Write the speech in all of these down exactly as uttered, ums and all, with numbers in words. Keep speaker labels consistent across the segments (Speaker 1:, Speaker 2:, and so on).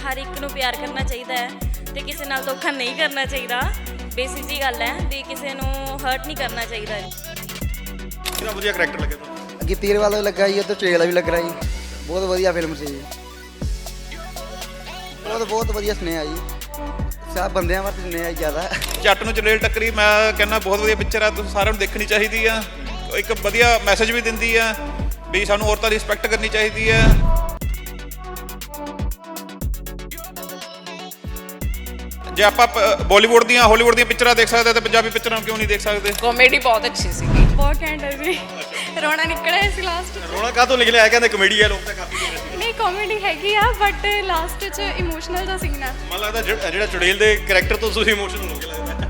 Speaker 1: ਹਰ ਇੱਕ ਨੂੰ ਪਿਆਰ ਕਰਨਾ ਚਾਹੀਦਾ ਹੈ ਤੇ ਕਿਸੇ ਨਾਲ ਧੋਖਾ ਨਹੀਂ ਕਰਨਾ ਚਾਹੀਦਾ। ਬੇਸਿਕ ਜੀ ਗੱਲ ਹੈ ਵੀ ਕਿਸੇ ਨੂੰ ਹਰਟ ਨਹੀਂ ਕਰਨਾ ਚਾਹੀਦਾ।
Speaker 2: ਕਿਹੜਾ ਵਧੀਆ ਕਰੈਕਟਰ ਲੱਗਿਆ ਤੁਹਾਨੂੰ?
Speaker 3: ਗਿੱਤੀਰ ਵਾਲਾ ਵੀ ਲੱਗਾ ਜੀ, ਉੱਤੇ ਚੇਲਾ ਵੀ ਲੱਗ ਰਿਹਾ ਜੀ। ਬਹੁਤ ਵਧੀਆ ਫਿਲਮ ਸੀ ਜੀ। ਬਹੁਤ ਬਹੁਤ ਵਧੀਆ ਸੁਨੇਹਾ ਜੀ, ਸਭ ਬੰਦਿਆਂ ਵਾਸਤੇ ਸੁਨੇਹਾ ਜੀ ਜ਼ਿਆਦਾ।
Speaker 2: ਜੱਟ ਨੂੰ ਚੜੇਲ ਟੱਕਰੀ ਮੈਂ ਕਹਿੰਦਾ ਬਹੁਤ ਵਧੀਆ ਪਿਕਚਰ ਆ, ਤੁਸੀਂ ਸਾਰਿਆਂ ਨੂੰ ਦੇਖਣੀ ਚਾਹੀਦੀ ਆ। ਇੱਕ ਵਧੀਆ ਮੈਸੇਜ ਵੀ ਦਿੰਦੀ ਆ ਵੀ ਸਾਨੂੰ ਔਰਤਾਂ ਦੀ ਰਿਸਪੈਕਟ ਕਰਨੀ ਚਾਹੀਦੀ ਆ। ਜੇ ਆਪਾਂ ਬਾਲੀਵੁੱਡ ਦੀਆਂ ਹਾਲੀਵੁੱਡ ਦੀਆਂ ਪਿਕਚਰਾਂ ਦੇਖ ਸਕਦੇ ਤਾਂ ਪੰਜਾਬੀ ਪਿਕਚਰਾਂ ਕਿਉਂ ਨਹੀਂ ਦੇਖ ਸਕਦੇ?
Speaker 4: ਕਾਮੇਡੀ ਬਹੁਤ ਅੱਛੀ ਸੀ,
Speaker 5: ਬਹੁਤ ਘੈਂਟ ਹੈ ਜੀ। ਰੋਣਾ ਨਿਕਲਿਆ ਸੀ ਲਾਸਟ।
Speaker 2: ਰੋਣਾ ਕਾਹਤੋਂ ਨਿਕਲਿਆ? ਆ ਕਹਿੰਦੇ ਕਮੇਡੀ ਆ, ਲੋਕ ਤਾਂ ਕਾਫੀ ਦੇਖ ਰਹੇ ਸੀ।
Speaker 5: ਨਹੀਂ ਕਾਮੇਡੀ ਹੈਗੀ ਆ ਬਟ ਲਾਸਟ 'ਚ ਇਮੋਸ਼ਨਲ ਦਾ ਸੀਨ ਆ।
Speaker 2: ਮੈਨੂੰ ਲੱਗਦਾ ਜਿਹੜਾ ਜਿਹੜਾ ਚੁੜੇਲ ਦੇ ਕਰੈਕਟਰ ਤੋਂ ਤੁਸੀਂ ਇਮੋਸ਼ਨਲ ਹੋ ਗਏ ਲੱਗਦਾ।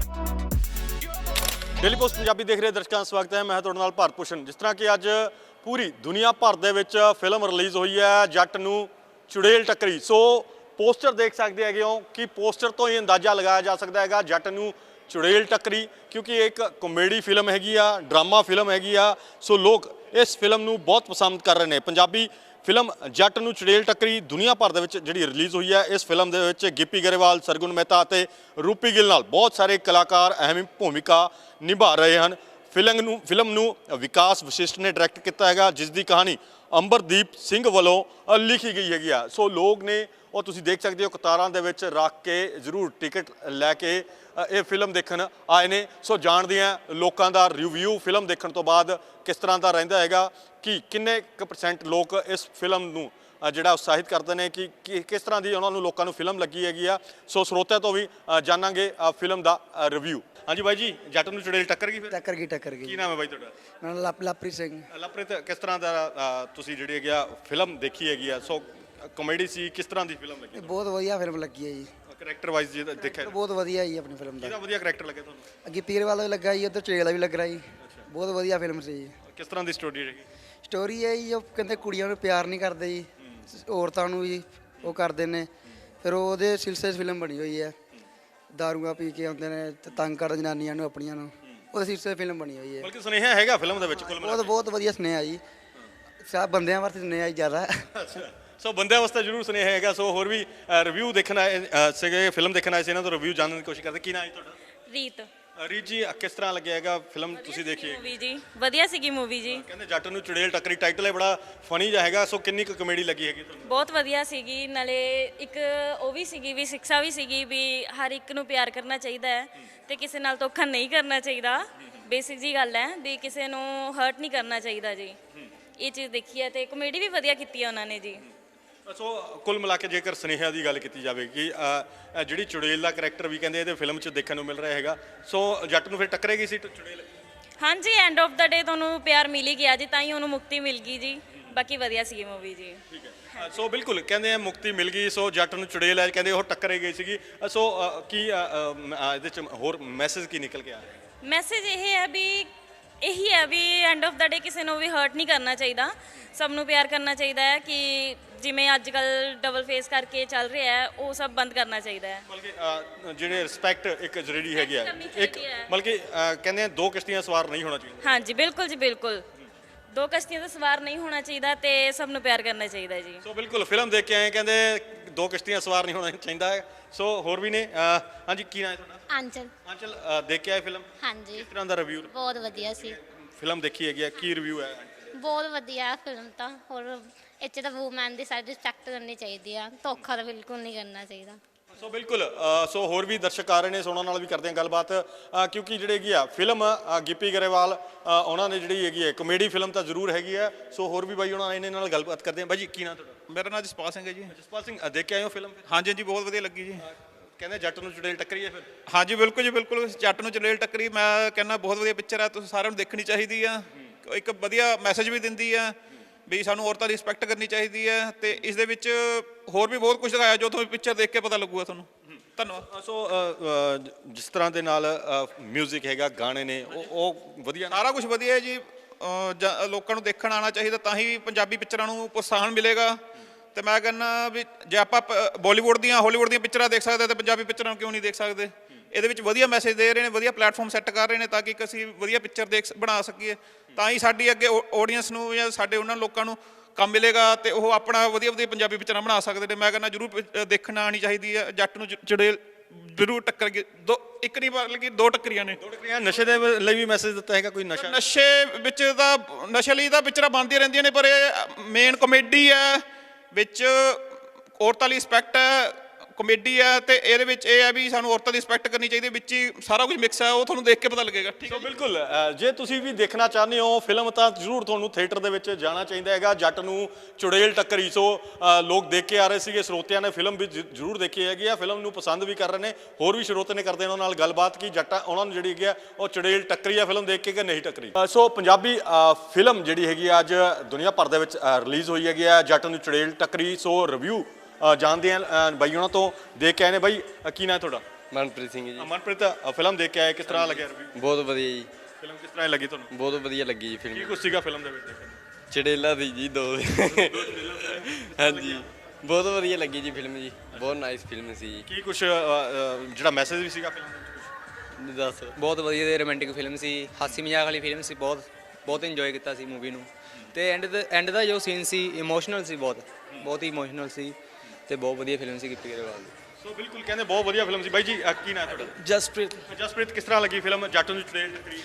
Speaker 2: ਡੇਲੀ ਪੋਸਟ ਪੰਜਾਬੀ ਦੇਖ ਰਹੇ ਦਰਸ਼ਕਾਂ ਦਾ ਸਵਾਗਤ ਹੈ। ਮੈਂ ਤੁਹਾਡੇ ਨਾਲ ਭਾਰਤ ਭੂਸ਼ਣ। ਜਿਸ ਤਰ੍ਹਾਂ ਕਿ ਅੱਜ ਪੂਰੀ ਦੁਨੀਆ ਭਰ ਦੇ ਵਿੱਚ ਫਿਲਮ ਰਿਲੀਜ਼ ਹੋਈ ਹੈ ਜੱਟ ਨੂੰ ਚੁੜੇਲ ਟੱਕਰੀ। ਸੋ ਪੋਸਟਰ ਦੇਖ ਸਕਦੇ ਹੈਗੇ ਹੋ ਕਿ ਪੋਸਟਰ ਤੋਂ ਹੀ ਅੰਦਾਜ਼ਾ ਲਗਾਇਆ ਜਾ ਸਕਦਾ ਹੈਗਾ ਜੱਟ ਨੂੰ ਚੁੜੇਲ ਟੱਕਰੀ, ਕਿਉਂਕਿ ਇਹ ਇੱਕ ਕਾਮੇਡੀ ਫਿਲਮ ਹੈਗੀ ਆ, ਡਰਾਮਾ ਫਿਲਮ ਹੈਗੀ ਆ। ਸੋ ਲੋਕ ਇਸ ਫਿਲਮ ਨੂੰ ਬਹੁਤ ਪਸੰਦ ਕਰ ਰਹੇ ਨੇ। ਪੰਜਾਬੀ ਫਿਲਮ ਜੱਟ ਨੂੰ ਚੁੜੇਲ ਟੱਕਰੀ ਦੁਨੀਆ ਭਰ ਦੇ ਵਿੱਚ ਜਿਹੜੀ ਰਿਲੀਜ਼ ਹੋਈ ਹੈ, ਇਸ ਫਿਲਮ ਦੇ ਵਿੱਚ ਗਿੱਪੀ ਗਰੇਵਾਲ, ਸਰਗੁਣ ਮਹਿਤਾ ਅਤੇ ਰੂਪੀ ਗਿੱਲ ਨਾਲ ਬਹੁਤ ਸਾਰੇ ਕਲਾਕਾਰ ਅਹਿਮ ਭੂਮਿਕਾ ਨਿਭਾ ਰਹੇ ਹਨ। ਫਿਲਮ ਨੂੰ ਫਿਲਮ ਨੂੰ ਵਿਕਾਸ ਵਸ਼ਿਸ਼ਟ ਨੇ ਡਾਇਰੈਕਟ ਕੀਤਾ ਹੈਗਾ, ਜਿਸ ਦੀ ਕਹਾਣੀ ਅੰਬਰਦੀਪ ਸਿੰਘ ਵੱਲੋਂ ਲਿਖੀ ਗਈ ਹੈਗੀ ਆ। ਸੋ ਲੋਕ ਨੇ ਉਹ ਤੁਸੀਂ ਦੇਖ ਸਕਦੇ ਹੋ ਕਤਾਰਾਂ ਦੇ ਵਿੱਚ ਰੱਖ ਕੇ ਜ਼ਰੂਰ ਟਿਕਟ ਲੈ ਕੇ ਇਹ ਫਿਲਮ ਦੇਖਣ ਆਏ ਨੇ। ਸੋ ਜਾਣਦੇ ਹਾਂ ਲੋਕਾਂ ਦਾ ਰਿਵਿਊ ਫਿਲਮ ਦੇਖਣ ਤੋਂ ਬਾਅਦ ਕਿਸ ਤਰ੍ਹਾਂ ਦਾ ਰਹਿੰਦਾ ਹੈਗਾ, ਕਿ ਕਿੰਨੇ ਕੁ ਪਰਸੈਂਟ ਲੋਕ ਇਸ ਫਿਲਮ ਨੂੰ ਜਿਹੜਾ ਉਤਸ਼ਾਹਿਤ ਕਰਦੇ ਨੇ, ਕਿ ਕਿਸ ਤਰ੍ਹਾਂ ਦੀ ਉਹਨਾਂ ਨੂੰ ਲੋਕਾਂ ਨੂੰ ਫਿਲਮ ਲੱਗੀ ਹੈਗੀ ਆ। ਸੋ ਸਰੋਤਿਆਂ ਤੋਂ ਵੀ ਜਾਣਾਂਗੇ ਫਿਲਮ ਦਾ ਰਿਵਿਊ। ਹਾਂਜੀ ਬਾਈ ਜੀ, ਜੱਟ ਨੂੰ ਚੁੜੇਲ ਟੱਕਰ ਗਈ? ਫਿਰ
Speaker 3: ਟੱਕਰ ਗਈ ਟੱਕਰ ਗਈ।
Speaker 2: ਕੀ ਨਾਮ ਹੈ ਬਾਈ ਤੁਹਾਡਾ?
Speaker 3: ਨਾਲ ਲਪ ਲਪਰੀ ਸਿੰਘ।
Speaker 2: ਲਵਪ੍ਰੀਤ, ਕਿਸ ਤਰ੍ਹਾਂ ਦਾ ਤੁਸੀਂ ਜਿਹੜੀ ਹੈਗੀ ਆ ਫਿਲਮ ਦੇਖੀ ਹੈਗੀ ਆ? ਸੋ ਕਾਮੇਡੀ ਸੀ, ਕਿਸ ਤਰ੍ਹਾਂ ਦੀ ਫਿਲਮ ਲੱਗੀ?
Speaker 3: ਬਹੁਤ ਵਧੀਆ ਫਿਲਮ ਲੱਗੀ ਹੈ ਜੀ।
Speaker 2: ਕਰੈਕਟਰ ਵਾਈਜ਼ ਜੇ ਦੇਖਿਆ
Speaker 3: ਬਹੁਤ ਵਧੀਆ ਜੀ ਆਪਣੀ ਫਿਲਮ ਦਾ।
Speaker 2: ਕਿਹਦਾ ਵਧੀਆ ਕਰੈਕਟਰ ਲੱਗਿਆ ਤੁਹਾਨੂੰ?
Speaker 3: ਗਿੱਤੀਰ ਵਾਲਾ ਵੀ ਲੱਗਾ ਜੀ, ਉੱਤੇ ਚੇਲਾ ਵੀ ਲੱਗ ਰਿਹਾ ਜੀ। ਬਹੁਤ ਵਧੀਆ ਫਿਲਮ ਸੀ ਜੀ।
Speaker 2: ਕਿਸ ਤਰ੍ਹਾਂ ਦੀ ਸਟੋਰੀ ਰਹੀ?
Speaker 3: ਸਟੋਰੀ ਹੈ ਜੀ, ਉਹ ਕਹਿੰਦੇ ਕੁੜੀਆਂ ਨੂੰ ਪਿਆਰ ਨਹੀਂ ਕਰਦੇ ਜੀ, ਔਰਤਾਂ ਨੂੰ ਜੀ ਉਹ ਕਰਦੇ ਨੇ। ਫਿਰ ਉਹਦੇ ਸਿਲਸਿਲੇ 'ਚ ਫਿਲਮ ਬਣੀ ਹੋਈ ਹੈ। ਦਾਰੂਆਂ ਪੀ ਕੇ ਆਉਂਦੇ ਨੇ ਤੇ ਤੰਗ ਕਰਦੇ ਜਨਾਨੀਆਂ ਨੂੰ ਆਪਣੀਆਂ ਨੂੰ, ਉਹਦੇ ਸਿਲਸਿਲੇ ਫਿਲਮ ਬਣੀ ਹੋਈ ਹੈ।
Speaker 2: ਬਲਕਿ ਸੁਨੇਹਾ ਹੈਗਾ ਫਿਲਮ ਦੇ ਵਿੱਚ ਕੁੱਲ ਮਿਲਾ
Speaker 3: ਬਹੁਤ ਬਹੁਤ ਵਧੀਆ ਸੁਨੇਹਾ ਜੀ, ਸਭ ਬੰਦਿਆਂ ਵਾਸਤੇ ਸੁਨੇਹਾ ਜੀ ਜ਼ਿਆਦਾ।
Speaker 2: ਕੇ। ਸੋ ਬੰਦਿਆਂ ਵਾਸਤੇ ਜ਼ਰੂਰ ਸੁਨੇਹਾ ਹੈਗਾ। ਸੋ ਹੋਰ ਵੀ ਰਿਵਿਊ ਦੇਖਣ ਆਏ ਸੀਗੇ, ਫਿਲਮ ਦੇਖਣ ਆਏ ਸੀ, ਇਹਨਾਂ ਤੋਂ ਰਿਵਿਊ ਜਾਣਨ ਦੀ ਕੋਸ਼ਿਸ਼ ਕਰਦੇ। ਕੀ ਨਾਮ ਹੈ ਤੁਹਾਡਾ?
Speaker 1: ਰੀਤ।
Speaker 2: ਰੀਤ ਜੀ, ਕਿਸ ਤਰ੍ਹਾਂ ਲੱਗਿਆ ਹੈਗਾ ਫਿਲਮ ਤੁਸੀਂ ਦੇਖੀ?
Speaker 1: ਮੂਵੀ ਜੀ ਵਧੀਆ ਸੀਗੀ ਮੂਵੀ ਜੀ।
Speaker 2: ਕਹਿੰਦੇ ਜੱਟ ਨੂੰ ਚੁੜੇਲ ਟੱਕਰੀ, ਟਾਈਟਲ ਹੈ ਬੜਾ ਫਨੀ ਜਿਹਾ ਹੈਗਾ। ਸੋ ਕਿੰਨੀ ਕੁ ਕਮੇਡੀ ਲੱਗੀ ਹੈਗੀ ਤੁਹਾਨੂੰ?
Speaker 1: ਬਹੁਤ ਵਧੀਆ ਸੀਗੀ, ਨਾਲੇ ਇੱਕ ਉਹ ਵੀ ਸੀਗੀ ਵੀ ਸਿੱਖਿਆ ਵੀ ਸੀਗੀ ਵੀ ਹਰ ਇੱਕ ਨੂੰ ਪਿਆਰ ਕਰਨਾ ਚਾਹੀਦਾ ਹੈ ਤੇ ਕਿਸੇ ਨਾਲ ਧੋਖਾ ਨਹੀਂ ਕਰਨਾ ਚਾਹੀਦਾ। ਬੇਸਿਕ ਜੀ ਗੱਲ ਹੈ ਵੀ ਕਿਸੇ ਨੂੰ ਹਰਟ ਨਹੀਂ ਕਰਨਾ ਚਾਹੀਦਾ ਜੀ। ਇਹ ਚੀਜ਼ ਦੇਖੀ ਹੈ ਤੇ ਕਮੇਡੀ ਵੀ ਵਧੀਆ ਕੀਤੀ ਹੈ ਉਹਨਾਂ ਨੇ ਜੀ।
Speaker 2: ਸੋ ਕੁੱਲ ਮਿਲਾ ਕੇ ਜੇਕਰ ਸੁਨੇਹਾ ਦੀ ਗੱਲ ਕੀਤੀ ਜਾਵੇ ਕਿ ਜਿਹੜੀ ਚੁੜੇਲ ਦਾ ਕਰੈਕਟਰ ਵੀ ਕਹਿੰਦੇ ਇਹਦੇ ਫਿਲਮ 'ਚ ਦੇਖਣ ਨੂੰ ਮਿਲ ਰਿਹਾ ਹੈਗਾ, ਸੋ ਜੱਟ ਨੂੰ ਫਿਰ ਟੱਕਰੇਗੀ ਸੀ ਚੁੜੇਲ?
Speaker 1: ਹਾਂਜੀ, ਐਂਡ ਆਫ ਦਾ ਡੇ ਤੁਹਾਨੂੰ ਪਿਆਰ ਮਿਲ ਹੀ ਗਿਆ ਜੀ, ਤਾਂ ਹੀ ਉਹਨੂੰ ਮੁਕਤੀ ਮਿਲ ਗਈ ਜੀ। ਬਾਕੀ ਵਧੀਆ ਸੀਗੀ ਮੂਵੀ ਜੀ।
Speaker 2: ਠੀਕ ਹੈ। ਸੋ ਬਿਲਕੁਲ ਕਹਿੰਦੇ ਆ ਮੁਕਤੀ ਮਿਲ ਗਈ। ਸੋ ਜੱਟ ਨੂੰ ਚੁੜੇਲ ਹੈ ਕਹਿੰਦੇ ਉਹ ਟੱਕਰੇ ਗਈ ਸੀਗੀ। ਸੋ ਕੀ ਇਹਦੇ 'ਚ ਹੋਰ ਮੈਸੇਜ ਕੀ ਨਿਕਲ ਕੇ ਆ ਰਿਹਾ?
Speaker 1: ਮੈਸੇਜ ਇਹ ਹੈ ਵੀ ਇਹੀ ਹੈ ਵੀ ਐਂਡ ਆਫ ਦਾ ਡੇ ਕਿਸੇ ਨੂੰ ਵੀ ਹਰਟ ਨਹੀਂ ਕਰਨਾ ਚਾਹੀਦਾ, ਸਭ ਨੂੰ ਪਿਆਰ ਕਰਨਾ ਚਾਹੀਦਾ ਹੈ। ਕਿ ਜਿਵੇਂ ਅੱਜ ਕੱਲ੍ਹ ਡਬਲ ਫੇਸ ਕਰਕੇ ਚੱਲ ਰਿਹਾ ਹੈ, ਉਹ ਸਭ ਬੰਦ ਕਰਨਾ ਚਾਹੀਦਾ ਹੈ।
Speaker 2: ਬਲਕਿ ਜਿਹੜੇ ਰਿਸਪੈਕਟ ਇੱਕ ਜ਼ਰੂਰੀ ਹੈਗੀ ਆ,
Speaker 1: ਕਰਨੀ
Speaker 2: ਇੱਕ
Speaker 1: ਚਾਹੀਦੀ ਹੈ।
Speaker 2: ਬਲਕਿ ਕਹਿੰਦੇ ਆ ਦੋ ਕਿਸ਼ਤੀਆਂ ਸਵਾਰ ਨਹੀਂ ਹੋਣਾ ਚਾਹੀਦਾ।
Speaker 1: ਹਾਂਜੀ ਬਿਲਕੁਲ ਜੀ, ਬਿਲਕੁਲ ਦੋ ਕਸ਼ਤੀਆਂ ਦਾ ਸਵਾਰ ਨਹੀਂ ਹੋਣਾ ਚਾਹੀਦਾ ਤੇ ਸਭ ਨੂੰ ਪਿਆਰ ਕਰਨਾ ਚਾਹੀਦਾ ਜੀ।
Speaker 2: ਸੋ ਬਿਲਕੁਲ ਫਿਲਮ ਦੇਖ ਕੇ ਆਏ, ਕਹਿੰਦੇ ਦੋ ਕਿਸ਼ਤੀਆਂ ਸਵਾਰ ਨਹੀਂ ਹੋਣਾ ਚਾਹੀਦਾ ਹੈ। ਸੋ ਹੋਰ ਵੀ ਨੇ। ਹਾਂਜੀ, ਕੀ ਨਾਮ ਹੈ ਤੁਹਾਡਾ?
Speaker 6: ਆਂਚਲ।
Speaker 2: ਆਂਚਲ, ਦੇਖ ਕੇ ਆਏ ਫਿਲਮ?
Speaker 6: ਹਾਂਜੀ,
Speaker 2: ਕਿਸ ਤਰ੍ਹਾਂ ਦਾ ਰਿਵਿਊ?
Speaker 6: ਬਹੁਤ ਵਧੀਆ ਸੀ।
Speaker 2: ਫਿਲਮ ਦੇਖੀ ਹੈਗੀ ਆ, ਕੀ ਰਿਵਿਊ ਹੈ?
Speaker 6: ਬਹੁਤ ਵਧੀਆ ਫਿਲਮ ਤਾਂ। ਹੋਰ ਇੱਥੇ ਤਾਂ ਵੂਮੈਨ ਦੀ ਸਾਰੀ ਰਿਸਪੈਕਟ ਕਰਨੀ ਚਾਹੀਦੀ ਆ, ਧੋਖਾ ਤਾਂ ਬਿਲਕੁਲ ਨਹੀਂ ਕਰਨਾ ਚਾਹੀਦਾ।
Speaker 2: ਸੋ ਬਿਲਕੁਲ ਸੋ ਹੋਰ ਵੀ ਦਰਸ਼ਕ ਆ ਰਹੇ ਨੇ, ਸੋ ਉਹਨਾਂ ਨਾਲ ਵੀ ਕਰਦੇ ਹਾਂ ਗੱਲਬਾਤ, ਕਿਉਂਕਿ ਜਿਹੜੇ ਹੈਗੀ ਆ ਫਿਲਮ ਗਿੱਪੀ ਗਰੇਵਾਲ ਉਹਨਾਂ ਨੇ ਜਿਹੜੀ ਹੈਗੀ ਹੈ ਕਮੇਡੀ ਫਿਲਮ ਤਾਂ ਜ਼ਰੂਰ ਹੈਗੀ ਆ। ਸੋ ਹੋਰ ਵੀ ਬਾਈ ਉਹਨਾਂ ਇਹਨਾਂ ਨਾਲ ਗੱਲਬਾਤ ਕਰਦੇ ਹਾਂ। ਬਾਈ ਜੀ, ਕੀ ਨਾਮ ਤੁਹਾਡਾ?
Speaker 7: ਮੇਰਾ ਨਾਮ ਜਸਪਾਲ ਸਿੰਘ ਹੈ ਜੀ।
Speaker 2: ਜਸਪਾਲ ਸਿੰਘ, ਦੇਖ ਕੇ ਆਏ ਹੋ ਫਿਲਮ?
Speaker 7: ਹਾਂਜੀ ਹਾਂਜੀ, ਬਹੁਤ ਵਧੀਆ ਲੱਗੀ ਜੀ।
Speaker 2: ਕਹਿੰਦੇ ਜੱਟ ਨੂੰ ਚੁੜੇਲ ਟੱਕਰੀ ਹੈ ਫਿਰ?
Speaker 7: ਹਾਂਜੀ ਬਿਲਕੁਲ ਜੀ, ਬਿਲਕੁਲ ਜੱਟ ਨੂੰ ਚੜੇਲ ਟੱਕਰੀ ਮੈਂ ਕਹਿੰਦਾ ਬਹੁਤ ਵਧੀਆ ਪਿਕਚਰ ਆ, ਤੁਸੀਂ ਸਾਰਿਆਂ ਨੂੰ ਦੇਖਣੀ ਚਾਹੀਦੀ ਆ। ਇੱਕ ਵਧੀਆ ਮੈਸੇਜ ਵੀ ਦਿੰਦੀ ਆ ਵੀ ਸਾਨੂੰ ਔਰਤਾਂ ਦੀ ਰਿਸਪੈਕਟ ਕਰਨੀ ਚਾਹੀਦੀ ਹੈ, ਤੇ ਇਸ ਦੇ ਵਿੱਚ ਹੋਰ ਵੀ ਬਹੁਤ ਕੁਝ ਦਿਖਾਇਆ ਜੋ ਤੁਹਾਨੂੰ ਪਿਕਚਰ ਦੇਖ ਕੇ ਪਤਾ ਲੱਗੂਗਾ ਤੁਹਾਨੂੰ। ਧੰਨਵਾਦ।
Speaker 2: ਸੋ ਜਿਸ ਤਰ੍ਹਾਂ ਦੇ ਨਾਲ ਮਿਊਜ਼ਿਕ ਹੈਗਾ, ਗਾਣੇ ਨੇ, ਉਹ ਉਹ ਵਧੀਆ,
Speaker 7: ਸਾਰਾ ਕੁਝ ਵਧੀਆ ਹੈ ਜੀ। ਲੋਕਾਂ ਨੂੰ ਦੇਖਣ ਆਉਣਾ ਚਾਹੀਦਾ, ਤਾਂ ਹੀ ਪੰਜਾਬੀ ਪਿਕਚਰਾਂ ਨੂੰ ਪ੍ਰੋਤਸਾਹਨ ਮਿਲੇਗਾ। ਤੇ ਮੈਂ ਕਹਿੰਦਾ ਵੀ ਜੇ ਆਪਾਂ ਬਾਲੀਵੁੱਡ ਦੀਆਂ ਹਾਲੀਵੁੱਡ ਦੀਆਂ ਪਿਕਚਰਾਂ ਦੇਖ ਸਕਦੇ ਤਾਂ ਪੰਜਾਬੀ ਪਿਕਚਰਾਂ ਨੂੰ ਕਿਉਂ ਨਹੀਂ ਦੇਖ ਸਕਦੇ? ਇਹਦੇ ਵਿੱਚ ਵਧੀਆ ਮੈਸੇਜ ਦੇ ਰਹੇ ਨੇ, ਵਧੀਆ ਪਲੇਟਫਾਰਮ ਸੈੱਟ ਕਰ ਰਹੇ ਨੇ ਤਾਂ ਕਿ ਅਸੀਂ ਵਧੀਆ ਪਿਕਚਰ ਦੇਖ ਬਣਾ ਸਕੀਏ, ਤਾਂ ਹੀ ਸਾਡੀ ਅੱਗੇ ਆਡੀਅנס ਨੂੰ ਜਾਂ ਸਾਡੇ ਉਹਨਾਂ ਲੋਕਾਂ ਨੂੰ ਕੰਮ ਮਿਲੇਗਾ ਤੇ ਉਹ ਆਪਣਾ ਵਧੀਆ ਵਧੀਆ ਪੰਜਾਬੀ ਪਿਕਚਰਾਂ ਬਣਾ ਸਕਦੇ ਨੇ। ਮੈਂ ਕਹਿੰਦਾ ਜ਼ਰੂਰ ਪਿ- ਦੇਖਣ ਆਉਣੀ ਚਾਹੀਦੀ ਹੈ। ਜੱਟ ਨੂੰ ਚ- ਚੁੜੇਲ ਜ਼ਰੂਰ ਟੱਕਰ ਗਈ, ਦੋ ਇੱਕ ਨਹੀਂ ਬਲਕਿ ਦੋ ਟੱਕਰੀਆਂ ਨੇ।
Speaker 2: ਦੋ ਟੱਕਰੀਆਂ ਨਸ਼ੇ ਦੇ ਲਈ ਵੀ ਮੈਸੇਜ ਦਿੱਤਾ ਹੈਗਾ ਕੋਈ ਨਸ਼ਾ
Speaker 7: ਨਸ਼ੇ ਵਿੱਚ ਤਾਂ ਨਸ਼ੇ ਲਈ ਤਾਂ ਪਿਕਚਰਾਂ ਬਣਦੀਆਂ ਰਹਿੰਦੀਆਂ ਨੇ, ਪਰ ਇਹ ਮੇਨ ਕਮੇਡੀ ਹੈ ਵਿੱਚ, ਔਰਤਾਂ ਲਈ ਰਿਸਪੈਕਟ ਹੈ, ਕਮੇਡੀ ਹੈ, ਤੇ ਇਹਦੇ ਵਿੱਚ ਇਹ ਹੈ ਵੀ ਸਾਨੂੰ ਔਰਤਾਂ ਦੀ ਰਿਸਪੈਕਟ ਕਰਨੀ ਚਾਹੀਦੀ ਹੈ। ਵਿੱਚ ਹੀ ਸਾਰਾ ਕੁਝ ਮਿਕਸ ਹੈ, ਉਹ ਤੁਹਾਨੂੰ ਦੇਖ ਕੇ ਪਤਾ ਲੱਗੇਗਾ। ਠੀਕ ਹੈ
Speaker 2: ਸੋ ਬਿਲਕੁਲ ਅ, ਜੇ ਤੁਸੀਂ ਵੀ ਦੇਖਣਾ ਚਾਹੁੰਦੇ ਹੋ ਫਿਲਮ ਤਾਂ ਜ਼ਰੂਰ ਤੁਹਾਨੂੰ ਥੀਏਟਰ ਦੇ ਵਿੱਚ ਜਾਣਾ ਚਾਹੀਦਾ ਹੈਗਾ। ਜੱਟ ਨੂੰ ਚੁੜੇਲ ਟੱਕਰੀ। ਸੋ ਅ, ਲੋਕ ਦੇਖ ਕੇ ਆ ਰਹੇ ਸੀਗੇ, ਸਰੋਤਿਆਂ ਨੇ ਫਿਲਮ ਵੀ ਜ- ਜ਼ਰੂਰ ਦੇਖੀ ਹੈਗੀ ਆ, ਫਿਲਮ ਨੂੰ ਪਸੰਦ ਵੀ ਕਰ ਰਹੇ ਨੇ। ਹੋਰ ਵੀ ਸਰੋਤੇ ਨੇ ਕਰਦੇ ਨੇ ਉਹਨਾਂ ਨਾਲ ਗੱਲਬਾਤ ਕਿ ਜੱਟਾਂ ਉਹਨਾਂ ਨੂੰ ਜਿਹੜੀ ਹੈਗੀ ਆ ਉਹ ਚੁੜੇਲ ਟੱਕਰੀ ਆ ਫਿਲਮ ਦੇਖ ਕੇ ਕਿ ਨਹੀਂ ਟੱਕਰੀ। ਅ, ਸੋ ਪੰਜਾਬੀ ਅ, ਫਿਲਮ ਜਿਹੜੀ ਹੈਗੀ ਆ ਅੱਜ ਦੁਨੀਆ ਭਰ ਦੇ ਵਿੱਚ ਰਿਲੀਜ਼ ਹੋਈ ਹੈਗੀ ਆ, ਜੱਟ ਨੂੰ ਚੁੜੇਲ ਟੱਕਰੀ। ਸੋ ਰਿਵਿਊ ਜਾਣਦੇ ਆ ਬਾਈ ਉਹਨਾਂ ਤੋਂ, ਦੇਖ ਕੇ ਆਏ ਨੇ। ਬਾਈ ਅ, ਕੀ ਨਾਂ ਹੈ ਤੁਹਾਡਾ?
Speaker 4: ਮਨਪ੍ਰੀਤ ਸਿੰਘ ਜੀ।
Speaker 2: ਮਨਪ੍ਰੀਤ, ਅ, ਫਿਲਮ ਦੇਖ ਕੇ ਆਏ, ਕਿਸ ਤਰ੍ਹਾਂ ਲੱਗਿਆ ਰਿਵਿਊ?
Speaker 4: ਬਹੁਤ ਵਧੀਆ ਜੀ,
Speaker 2: ਫਿਲਮ ਕਿਸ ਤਰ੍ਹਾਂ ਲੱਗੀ ਤੁਹਾਨੂੰ?
Speaker 4: ਬਹੁਤ ਵਧੀਆ ਲੱਗੀ ਜੀ
Speaker 2: ਕੀ
Speaker 4: ਫਿਲਮ।
Speaker 2: ਕੁਛ ਸੀਗਾ ਫਿਲਮ ਦੇ ਵਿੱਚ ਦੇਖਣ ਨੂੰ?
Speaker 4: ਚੜੇਲਾ ਦੀ ਜੀ ਦੋ ਹਾਂਜੀ, ਬਹੁਤ ਵਧੀਆ ਲੱਗੀ ਜੀ ਫਿਲਮ ਜੀ, ਬਹੁਤ ਨਾਈਸ ਫਿਲਮ ਸੀ ਜੀ।
Speaker 2: ਕੀ ਕੁਛ ਅ, ਅ, ਜਿਹੜਾ ਮੈਸੇਜ ਵੀ ਸੀਗਾ ਫਿਲਮ ਦੇ ਵਿੱਚ?
Speaker 4: ਦੱਸ।
Speaker 8: ਬਹੁਤ ਵਧੀਆ ਤੇ ਰੋਮਾਂਟਿਕ ਫਿਲਮ ਸੀ, ਹਾਸੀ ਮਜ਼ਾਕ ਵਾਲੀ ਫਿਲਮ ਸੀ। ਬਹੁਤ ਬਹੁਤ ਇੰਜੋਏ ਕੀਤਾ ਸੀ ਮੂਵੀ ਨੂੰ। ਤੇ ਐਂਡ ਦਾ ਐਂਡ ਦਾ ਜੋ ਸੀਨ ਸੀ ਇਮੋਸ਼ਨਲ ਸੀ, ਬਹੁਤ ਬਹੁਤ ਹੀ ਇਮੋਸ਼ਨਲ ਸੀ ਤੇ ਬਹੁਤ ਵਧੀਆ ਫਿਲਮ ਸੀ ਗਿੱਪੀ ਗਰੇਵਾਲ ਦੀ।
Speaker 2: ਸੋ ਬਿਲਕੁਲ ਕਹਿੰਦੇ ਬਹੁਤ ਵਧੀਆ ਫਿਲਮ ਸੀ। ਬਾਈ ਜੀ ਅ, ਕੀ ਨਾਂ ਹੈ ਤੁਹਾਡਾ?
Speaker 9: ਜਸਪ੍ਰੀਤ।
Speaker 2: ਜਸਪ੍ਰੀਤ, ਕਿਸ ਤਰ੍ਹਾਂ ਲੱਗੀ ਫਿਲਮ ਜੱਟ ਨੂੰ ਚੁੜੇਲ ਟੱਕਰੀ?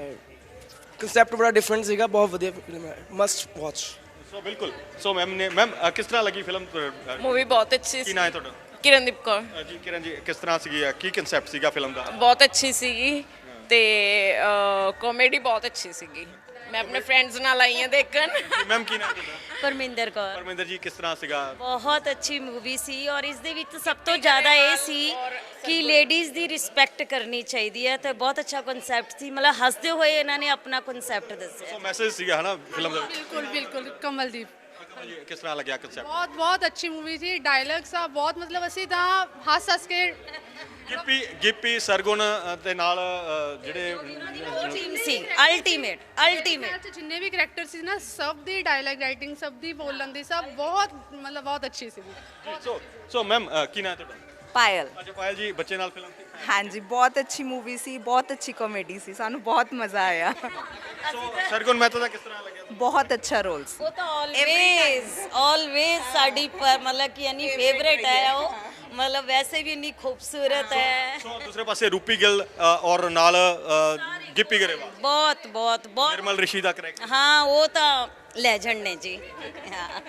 Speaker 9: ਕਨਸੈਪਟ ਬੜਾ ਡਿਫਰੈਂਟ ਸੀਗਾ, ਬਹੁਤ ਵਧੀਆ ਫਿਲਮ ਹੈ, ਮਸਟ ਵਾਚ।
Speaker 2: ਸੋ ਬਿਲਕੁਲ। ਸੋ ਮੈਮ ਨੇ ਮੈਮ ਅ, ਕਿਸ ਤਰ੍ਹਾਂ ਲੱਗੀ ਫਿਲਮ?
Speaker 10: मूवी बहुत अच्छी
Speaker 2: ਕੀ
Speaker 10: सी।
Speaker 2: ਨਾਂ ਹੈ ਤੁਹਾਡਾ?
Speaker 10: किरणदीप कौर
Speaker 2: ਅ, ਜੀ ਕਿਰਨ ਜੀ, ਕਿਸ ਤਰ੍ਹਾਂ ਸੀਗੀ ਅ, ਕੀ ਕਨਸੈਪਟ ਸੀਗਾ ਫਿਲਮ ਦਾ?
Speaker 10: बहुत अच्छी ਸੀਗੀ ਤੇ ਕਾਮੇਡੀ ਬਹੁਤ ਅੱਛੀ ਸੀਗੀ। ਮੈਂ ਆਪਣੇ ਫਰੈਂਡਸ ਨਾਲ ਆਈ ਹਾਂ ਦੇਖਣ।
Speaker 2: ਮੈਮ ਕੀ ਨਾਂ ਹੈ ਤੁਹਾਡਾ?
Speaker 1: ਪਰਮਿੰਦਰ ਕੌਰ।
Speaker 2: ਪਰਮਿੰਦਰ ਜੀ, ਕਿਸ ਤਰ੍ਹਾਂ ਸੀਗਾ?
Speaker 1: ਬਹੁਤ ਅੱਛੀ ਮੂਵੀ ਸੀ ਔਰ ਇਸ ਦੇ ਵਿੱਚ ਸਭ ਤੋਂ ਜ਼ਿਆਦਾ ਇਹ ਸੀ ਕਿ ਲੇਡੀਜ਼ ਦੀ ਰਿਸਪੈਕਟ ਕਰਨੀ ਚਾਹੀਦੀ ਹੈ ਤੇ ਬਹੁਤ ਅੱਛਾ ਕਨਸੈਪਟ ਸੀ। ਮਤਲਬ ਹੱਸਦੇ ਹੋਏ ਇਹਨਾਂ ਨੇ ਆਪਣਾ ਕਨਸੈਪਟ ਦੱਸਿਆ।
Speaker 2: ਸੋ ਮੈਸੇਜ ਸੀਗਾ ਹਨਾ ਫਿਲਮ ਦਾ?
Speaker 5: ਬਿਲਕੁਲ ਬਿਲਕੁਲ ਕਮਲਦੀਪ
Speaker 2: ਜੀ, ਕਿਸ ਤਰ੍ਹਾਂ ਲੱਗਿਆ ਕਨਸੈਪਟ?
Speaker 5: ਬਹੁਤ ਬਹੁਤ ਅੱਛੀ ਮੂਵੀ ਸੀ। ਡਾਇਲੌਗਸ ਆ ਬਹੁਤ, ਮਤਲਬ ਅਸੀਂ ਤਾਂ ਹੱਸ ਹੱਸ ਕੇ
Speaker 2: ਗਿੱਪੀ ਗਿੱਪੀ ਸਰਗੁਣ ਅ, ਦੇ ਨਾਲ ਅ, ਜਿਹੜੇ
Speaker 1: ਟੀਮ ਸੀ ਅਲਟੀਮੇਟ ਅਲਟੀਮੇਟ।
Speaker 5: ਚ ਜਿੰਨੇ ਵੀ ਕਰੈਕਟਰ ਸੀ ਨਾ, ਸਭ ਦੀ ਡਾਇਲੌਗ ਰਾਈਟਿੰਗ, ਸਭ ਦੀ ਬੋਲਣ ਦੀ, ਸਭ ਬਹੁਤ ਮਤਲਬ ਬਹੁਤ ਅੱਛੀ ਸੀ।
Speaker 2: ਸੋ ਸੋ ਮੈਮ ਕੀ ਨਾਂ ਹੈ ਤੁਹਾਡਾ?
Speaker 11: ਪਾਇਲ।
Speaker 2: ਅੱਛਾ ਪਾਇਲ ਜੀ, ਬੱਚੇ ਨਾਲ ਫਿਲਮ ਸੀ?
Speaker 11: ਹਾਂਜੀ, ਬਹੁਤ ਅੱਛੀ ਮੂਵੀ ਸੀ, ਬਹੁਤ ਅੱਛੀ ਕਾਮੇਡੀ ਸੀ, ਸਾਨੂੰ ਬਹੁਤ ਮਜ਼ਾ ਆਇਆ।
Speaker 2: ਸੋ ਸਰਗੁਣ ਮਹਿਤਾ ਦਾ ਕਿਸ ਤਰ੍ਹਾਂ ਲੱਗਿਆ?
Speaker 11: ਬਹੁਤ ਅੱਛਾ ਰੋਲ ਸੀ।
Speaker 1: ਉਹ ਤਾਂ ਆਲਵੇਜ਼ ਆਲਵੇਜ਼ ਸਾਡੀ ਪਰ ਮਤਲਬ ਕਿ ਇੰਨੀ ਫੇਵਰੇਟ ਹੈ ਉਹ, ਮਤਲਬ ਵੈਸੇ ਵੀ ਇੰਨੀ ਖੂਬਸੂਰਤ ਹੈ।
Speaker 2: ਸੋ ਦੂਸਰੇ ਪਾਸੇ ਰੂਪੀ ਗਿੱਲ ਅ, ਔਰ ਨਾਲ ਅ, ਗਿੱਪੀ ਗਰੇਵਾਲ,
Speaker 1: ਬਹੁਤ ਬਹੁਤ ਬਹੁਤ।
Speaker 2: ਨਿਰਮਲ ਰਿਸ਼ੀ ਦਾ ਕਰੈਕਟਰ।
Speaker 1: ਹਾਂ, ਉਹ ਤਾਂ ਲੈਜੈਂਡ ਨੇ ਜੀ। ਹਾਂ,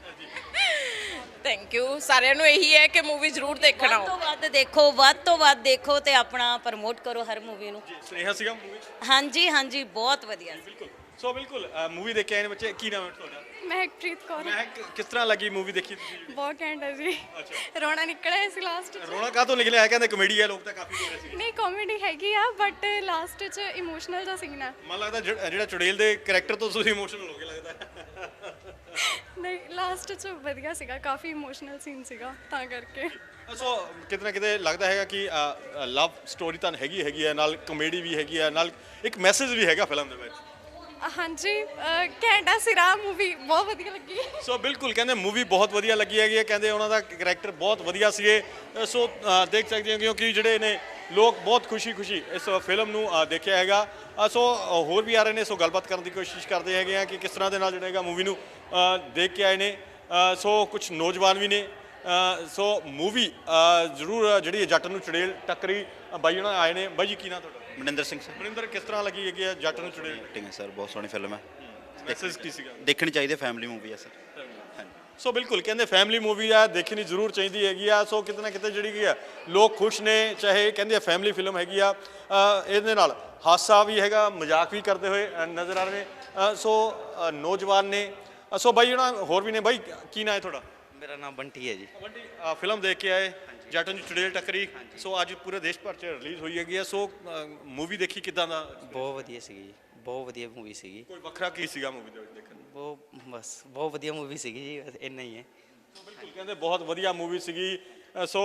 Speaker 10: ਥੈਂਕ ਯੂ। ਸਾਰਿਆਂ ਨੂੰ ਇਹੀ ਹੈ ਕਿ ਮੂਵੀ ਜ਼ਰੂਰ ਦੇਖਣ
Speaker 1: ਵੱਧ ਤੋਂ
Speaker 10: ਆਓ।
Speaker 1: ਵੱਧ ਦੇਖੋ, ਵੱਧ ਤੋਂ ਵੱਧ ਦੇਖੋ ਤੇ ਆਪਣਾ ਪ੍ਰਮੋਟ ਕਰੋ ਹਰ ਮੂਵੀ ਨੂੰ।
Speaker 2: ਸਨੇਹਾ ਸੀਗਾ ਮੂਵੀ?
Speaker 1: ਹਾਂਜੀ ਹਾਂਜੀ, ਬਹੁਤ ਵਧੀਆ ਸੀ।
Speaker 2: ਬਿਲਕੁਲ। ਸੋ ਬਿਲਕੁਲ ਮੂਵੀ ਦੇਖ ਕੇ ਆਏ ਨੇ ਬੱਚੇ। ਕੀ ਨਾਮ ਹੈ ਤੁਹਾਡਾ?
Speaker 5: ਮਹਿਕਪ੍ਰੀਤ ਕੌਰ।
Speaker 2: ਮੈਂ ਕਿਸ ਤਰ੍ਹਾਂ ਲੱਗੀ ਮੂਵੀ ਦੇਖੀ ਤੁਸੀਂ?
Speaker 5: ਬਹੁਤ ਘੈਂਟ ਹੈ ਜੀ। ਰੋਣਾ ਨਿਕਲਿਆ ਸੀ ਲਾਸਟ ਚ।
Speaker 2: ਰੋਣਾ ਕਾਹਤੋਂ ਨਿਕਲਿਆ ਹੈ? ਕਹਿੰਦੇ ਕਮੇਡੀ ਹੈ, ਲੋਕ ਤਾਂ ਕਾਫੀ ਬੋਲ ਰਹੇ ਸੀ।
Speaker 5: ਨਹੀਂ, ਕਾਮੇਡੀ ਹੈਗੀ ਆ ਬਟ ਲਾਸਟ ਚ ਇਮੋਸ਼ਨਲ ਦਾ ਸੀਨ ਆ।
Speaker 2: ਮਨ ਲੱਗਦਾ ਜਿਹ- ਜਿਹੜਾ ਚੁੜੇਲ ਦੇ ਕਰੈਕਟਰ ਤੋਂ ਤੁਸੀਂ ਇਮੋਸ਼ਨਲ ਹੋ ਗਏ ਲੱਗਦਾ।
Speaker 5: ਨਹੀਂ, ਲਾਸਟ ਚ ਵਧੀਆ ਸੀਗਾ, ਕਾਫੀ ਇਮੋਸ਼ਨਲ ਸੀਨ ਸੀਗਾ ਤਾਂ ਕਰਕੇ।
Speaker 2: ਸੋ ਕਿਤੇ ਨਾ ਕਿਤੇ ਲੱਗਦਾ ਹੈਗਾ ਕਿ ਲਵ ਸਟੋਰੀ ਤਾਂ ਹੈਗੀ ਹੈਗੀ ਹੈ, ਨਾਲ ਕਮੇਡੀ ਵੀ ਹੈਗੀ ਹੈ, ਨਾਲ ਇੱਕ ਮੈਸੇਜ ਵੀ ਹੈਗਾ ਫਿਲਮ ਦੇ ਵਿੱਚ।
Speaker 5: ਹਾਂਜੀ, ਘੈਂਟਾ ਸਿਰਾ ਮੂਵੀ ਬਹੁਤ ਵਧੀਆ ਲੱਗੀ।
Speaker 2: ਸੋ ਬਿਲਕੁਲ ਕਹਿੰਦੇ ਮੂਵੀ ਬਹੁਤ ਵਧੀਆ ਲੱਗੀ ਹੈਗੀ ਹੈ, ਕਹਿੰਦੇ ਉਹਨਾਂ ਦਾ ਕਰੈਕਟਰ ਬਹੁਤ ਵਧੀਆ ਸੀਗੇ। ਅ, ਸੋ ਅ, ਦੇਖ ਸਕਦੇ ਹੋ ਕਿਉਂਕਿ ਜਿਹੜੇ ਨੇ ਲੋਕ ਬਹੁਤ ਖੁਸ਼ੀ-ਖੁਸ਼ੀ ਇਸ ਫਿਲਮ ਨੂੰ ਅ, ਦੇਖਿਆ ਹੈਗਾ। ਅ, ਸੋ ਅ, ਹੋਰ ਵੀ ਆ ਰਹੇ ਨੇ, ਸੋ ਗੱਲਬਾਤ ਕਰਨ ਦੀ ਕੋਸ਼ਿਸ਼ ਕਰਦੇ ਹੈਗੇ ਆ ਕਿ ਕਿਸ ਤਰ੍ਹਾਂ ਦੇ ਨਾਲ ਜਿਹੜਾ ਹੈਗਾ ਮੂਵੀ ਨੂੰ ਅ, ਦੇਖ ਕੇ ਆਏ ਨੇ। ਅ, ਸੋ ਕੁਝ ਨੌਜਵਾਨ ਵੀ ਨੇ। ਅ, ਸੋ ਮੂਵੀ ਜ਼ਰੂਰ ਜਿਹੜੀ ਜੱਟ ਨੂੰ ਚੁੜੇਲ ਟੱਕਰੀ, ਅ, ਬਾਈ ਉਹਨਾਂ ਆਏ ਨੇ। ਬਾਈ ਜੀ ਕੀ ਨਾਂ ਤੁਹਾਡਾ?
Speaker 12: ਮਨਿੰਦਰ ਸਿੰਘ ਸਰ।
Speaker 2: ਮਨਿੰਦਰ, ਕਿਸ ਤਰ੍ਹਾਂ ਲੱਗੀ ਹੈਗੀ ਹੈ ਜੱਟ ਨੂੰ ਚੁੜੇਲ?
Speaker 12: ਐਕਟਿੰਗ ਹੈ ਸਰ, ਬਹੁਤ ਸੋਹਣੀ ਫਿਲਮ ਹੈ,
Speaker 2: ਮੈਸੇਜ ਕੀ ਸੀਗਾ?
Speaker 12: ਦੇਖਣੀ ਚਾਹੀਦੀ, ਫੈਮਿਲੀ ਮੂਵੀ ਹੈ ਸਰ। ਹਾਂਜੀ।
Speaker 2: ਸੋ ਬਿਲਕੁਲ ਕਹਿੰਦੇ ਫੈਮਿਲੀ ਮੂਵੀ ਆ, ਦੇਖਣੀ ਜ਼ਰੂਰ ਚਾਹੀਦੀ ਹੈਗੀ ਆ। ਸੋ ਕਿਤੇ ਨਾ ਕਿਤੇ ਜਿਹੜੀ ਕੀ ਆ ਲੋਕ ਖੁਸ਼ ਨੇ, ਚਾਹੇ ਕਹਿੰਦੇ ਆ ਫੈਮਿਲੀ ਫਿਲਮ ਹੈਗੀ ਆ। ਅ, ਇਹਦੇ ਨਾਲ ਹਾਸਾ ਵੀ ਹੈਗਾ, ਮਜ਼ਾਕ ਵੀ ਕਰਦੇ ਹੋਏ ਅ, ਨਜ਼ਰ ਆ ਰਹੇ ਨੇ। ਅ, ਸੋ ਅ, ਨੌਜਵਾਨ ਨੇ। ਅ, ਸੋ ਬਾਈ ਉਹਨਾਂ ਹੋਰ ਵੀ ਨੇ। ਬਾਈ ਕੀ ਨਾਂ ਹੈ ਤੁਹਾਡਾ?
Speaker 4: ਮੇਰਾ ਨਾਮ ਬੰਟੀ ਹੈ ਜੀ।
Speaker 2: ਬੰਟੀ, ਅ, ਫਿਲਮ ਦੇਖ ਕੇ ਆਏ ਜੱਟ ਨੂੰ ਚੁੜੇਲ ਟੱਕਰੀ। ਸੋ ਅੱਜ ਪੂਰੇ ਦੇਸ਼ ਭਰ 'ਚ ਰਿਲੀਜ਼ ਹੋਈ ਹੈਗੀ ਆ। ਸੋ ਮੂਵੀ ਦੇਖੀ ਕਿੱਦਾਂ ਦਾ?
Speaker 4: ਬਹੁਤ ਵਧੀਆ ਸੀਗੀ ਜੀ, ਬਹੁਤ ਵਧੀਆ ਮੂਵੀ ਸੀਗੀ।
Speaker 2: ਕੋਈ ਵੱਖਰਾ ਕੀ ਸੀਗਾ ਮੂਵੀ ਦੇ ਵਿੱਚ ਦੇਖਣ ਨੂੰ?
Speaker 4: ਬਹੁਤ ਬਸ ਬਹੁਤ ਵਧੀਆ ਮੂਵੀ ਸੀਗੀ ਜੀ, ਬਸ ਇੰਨਾ ਹੀ ਹੈ।
Speaker 2: ਸੋ ਬਿਲਕੁਲ ਕਹਿੰਦੇ ਬਹੁਤ ਵਧੀਆ ਮੂਵੀ ਸੀਗੀ। ਅ, ਸੋ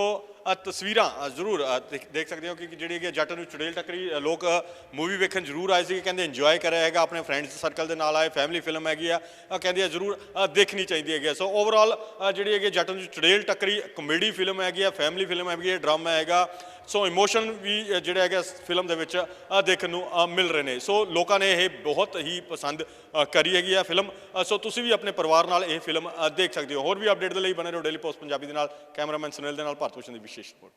Speaker 2: ਅ, ਤਸਵੀਰਾਂ ਅ, ਜ਼ਰੂਰ ਅ, ਦੇਖ ਦੇਖ ਸਕਦੇ ਹੋ ਕਿ ਜਿਹੜੀ ਹੈਗੀ ਜੱਟ ਨੂੰ ਚੁੜੇਲ ਟੱਕਰੀ ਅ, ਲੋਕ ਮੂਵੀ ਵੇਖਣ ਜ਼ਰੂਰ ਆਏ ਸੀ, ਕਹਿੰਦੇ ਇੰਜੋਏ ਕਰਿਆ ਹੈਗਾ, ਆਪਣੇ ਫਰੈਂਡਸ ਸਰਕਲ ਦੇ ਨਾਲ ਆਏ, ਫੈਮਿਲੀ ਫਿਲਮ ਹੈਗੀ ਆ, ਅ, ਕਹਿੰਦੇ ਆ ਜ਼ਰੂਰ ਅ, ਦੇਖਣੀ ਚਾਹੀਦੀ ਹੈਗੀ ਆ। ਸੋ ਓਵਰਆਲ ਜਿਹੜੀ ਹੈਗੀ ਜੱਟ ਨੂੰ ਚੁੜੇਲ ਟੱਕਰੀ ਕਮੇਡੀ ਫਿਲਮ ਹੈਗੀ ਆ, ਫੈਮਿਲੀ ਫਿਲਮ ਹੈਗੀ ਹੈ, ਡਰਾਮਾ ਹੈਗਾ। ਸੋ ਇਮੋਸ਼ਨ ਵੀ ਅ, ਜਿਹੜਾ ਹੈਗਾ ਫਿਲਮ ਦੇ ਵਿੱਚ ਅ, ਦੇਖਣ ਨੂੰ ਅ, ਮਿਲ ਰਹੇ ਨੇ। ਸੋ ਲੋਕਾਂ ਨੇ ਇਹ ਬਹੁਤ ਹੀ ਪਸੰਦ ਅ, ਕਰੀ ਹੈਗੀ ਆ ਫਿਲਮ। ਅ, ਸੋ ਤੁਸੀਂ ਵੀ ਆਪਣੇ ਪਰਿਵਾਰ ਨਾਲ ਇਹ ਫਿਲਮ ਅ, ਦੇਖ ਸਕਦੇ ਹੋ। ਹੋਰ ਵੀ ਅਪਡੇਟ ਦੇ ਲਈ ਬਣੇ ਰਹੋ ਡੇਲੀ ਪੋਸਟ ਪੰਜਾਬੀ ਦੇ ਨਾਲ। ਕੈਮਰਾਮੈਨ ਸੁਨੀਲ ਦੇ ਨਾਲ ਭਾਰਤ ਭੂਸ਼ਣ ਦੀ ਵਿਸ਼ੇਸ਼ ਰਿਪੋਰਟ।